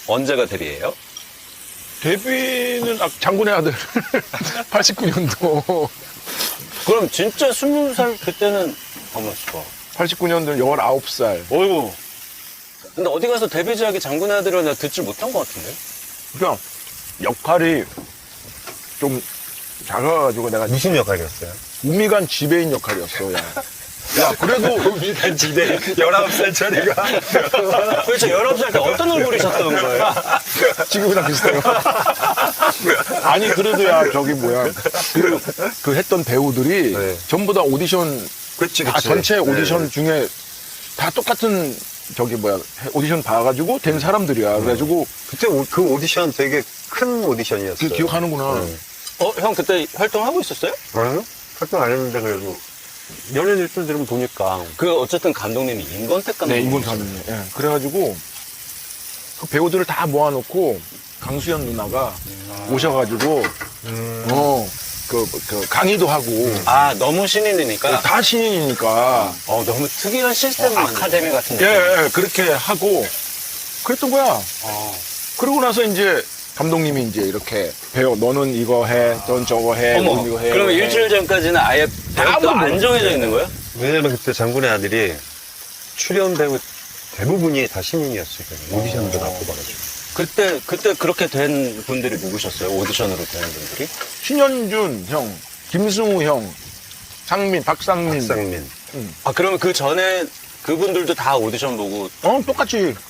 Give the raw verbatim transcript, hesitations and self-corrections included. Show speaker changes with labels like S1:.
S1: 언제가 데뷔예요?
S2: 데뷔는 아, 장군의 아들 팔십구 년도
S1: 그럼 진짜 스무 살 그때는 가만 있어봐.
S2: 팔십구 년도 열아홉 살.
S1: 어이구. 근데 어디 가서 데뷔작이 장군의 아들을 내가 듣질 못한 것 같은데?
S2: 그러니까 역할이 좀 작아가지고 내가
S3: 무슨 역할이었어요?
S2: 우미간 지배인 역할이었어. 야, 야 그래도
S3: 우미간 지대 열아홉 살 처리가
S1: 도대체 열아홉 살 때 어떤 얼굴이셨던 거예요?
S2: 지금이랑 비슷해요. 아니 그래도 야 저기 뭐야 그, 그 했던 배우들이
S3: 네.
S2: 전부 다 오디션
S3: 그치,
S2: 다
S3: 그치.
S2: 전체 오디션
S3: 네.
S2: 중에 다 똑같은 저기 뭐야 오디션 봐가지고 된 사람들이야. 그래가지고
S3: 그때 오- 그 오디션 되게 큰 오디션이었어요.
S2: 그 기억하는구나.
S3: 네.
S1: 어, 형 그때 활동하고 있었어요?
S3: 아니요? 활동 안 했는데 그래도 연예인 일주일들은 보니까
S1: 그 어쨌든 감독님이 임권택 감독님.
S2: 네, 인권 감독님. 예. 그래가지고 그 배우들을 다 모아놓고 강수연 누나가 오셔가지고 어, 그, 그 강의도 하고
S1: 아, 너무 신인이니까.
S2: 다 신인이니까
S1: 어, 너무 특이한 시스템을 어, 아카데미 같은
S2: 예,
S1: 데.
S2: 예, 그렇게 하고 그랬던 거야.
S1: 어.
S2: 그러고 나서 이제 감독님이 이제 이렇게 배워 너는 이거 해, 넌 저거 해,
S1: 어머,
S2: 넌 이거 해.
S1: 그러면
S2: 이거 해.
S1: 일주일 전까지는 아예 배우가
S2: 아무도
S1: 안
S2: 몰라.
S1: 정해져 있는 거예요?
S3: 왜냐면 그때 장군의 아들이 출연 배우 대부분이 다 신인이었어요. 오디션도 다 뽑아가지고.
S1: 그때, 그때 그렇게 된 분들이 누구셨어요? 오디션으로 된 분들이?
S2: 신현준 형, 김승우 형, 상민, 박상민.
S3: 박상민.
S1: 아, 그러면 그 전에 그분들도 다 오디션 보고.
S2: 어, 똑같이